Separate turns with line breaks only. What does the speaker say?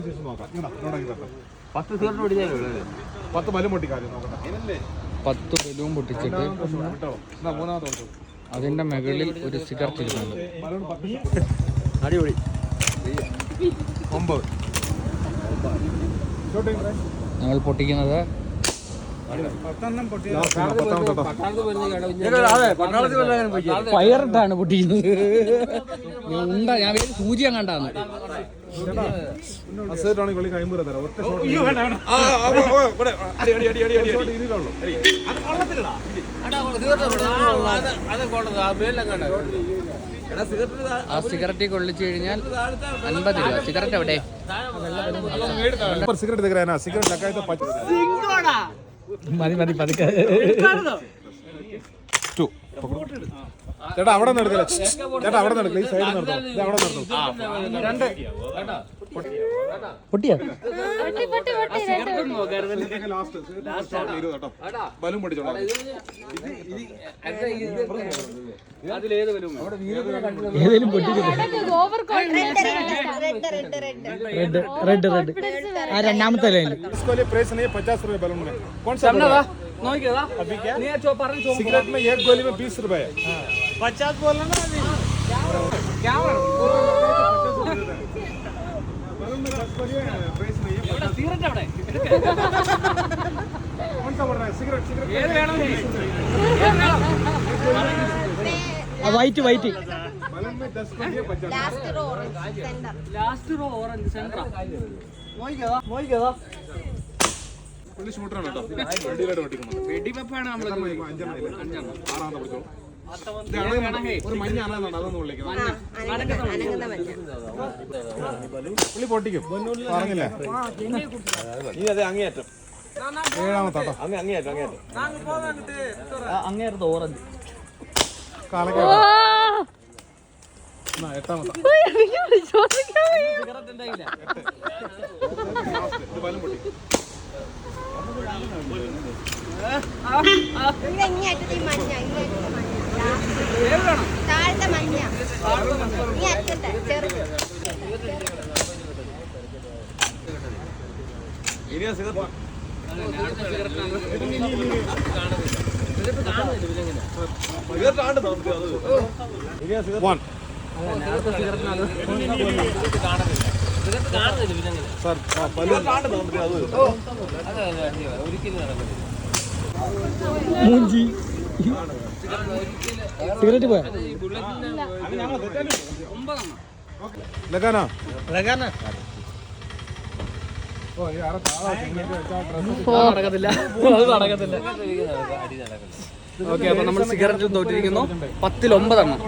10 balloon പൊട്ടിച്ചിട്ട് അതിന്റെ മുകളിൽ ഒരു സിഗരറ്റ് ഇടുന്നുണ്ട്.
അടിപൊളി.
9 ഞങ്ങൾ പൊട്ടിക്കുന്നത് ഫയറിട്ടാണ് പൊട്ടിക്കുന്നത്. ഞാൻ വേറെ സൂചിയാൻ കണ്ടാന്ന്. ആ സിഗരറ്റ് കൊള്ളിച്ചു കഴിഞ്ഞാൽ 50 രൂപ. സിഗരറ്റ് എവിടെ? മതി മതി പതുക്കെ.
ചേട്ടാ അവിടെ നടക്കില്ല. ചേട്ടാ അവിടെ നടക്കില്ല. ഈ സൈഡ് നടത്തും. അവിടെ നടത്തും.
പൊട്ടിയാ
ബലൂൺ പൊട്ടിച്ചോളാം.
ഏതെങ്കിലും പൊട്ടിക്കും. റെഡ് ആ രണ്ടാമത്തെ ലൈനിൽ.
प्राइस नहीं 50 रुपए बलून में. कौन सा अभी क्या सिगरेट में एक गोली में 20 रुपए है.
50 बोला ना अभी. क्या
बलून में 10 गोली है. प्राइस नहीं है.
सिगरेट അവിടെ
कौन सा बोल रहा है? सिगरेट
ഏത് വേണം നീ?
വൈറ്റ്
बलून में 10 गोली है 50.
ലാസ്റ്റ് റോ ഓറഞ്ച് സെന്റർ നോക്കിക്കോ
പുള്ളി ഷൂട്ടറാണ് കേട്ടോ. വണ്ടിയിലോട്ട് പൊട്ടിക്കണം.
വെടിവെപ്പാണ് നമ്മൾ
5 ആറാമത്തെ പിടിച്ചോളൂ. ഒരു മഞ്ഞ ആണെന്നാണ് അതൊന്ന് വിളിക്കുന്നത്. പുള്ളി പൊട്ടിക്കും പറഞ്ഞില്ലേ?
നീ അതെ അങ്ങേയറ്റം
7ാമത്തെ കേട്ടോ.
അങ്ങേയറ്റം ഓറഞ്ച്
കാലക്കാട് 8ാമത്തെ.
സിഗരറ്റ് ഉണ്ടായില്ല.
ബലൂൺ പൊട്ടി.
മൂഞ്ചി സിഗരറ്റ് പോയാ
लगाना
നടക്കത്തില്ല. ഓക്കെ, അപ്പൊ നമ്മൾ സിഗരറ്റ് തോറ്റിരിക്കുന്നു. 10-9 എണ്ണം.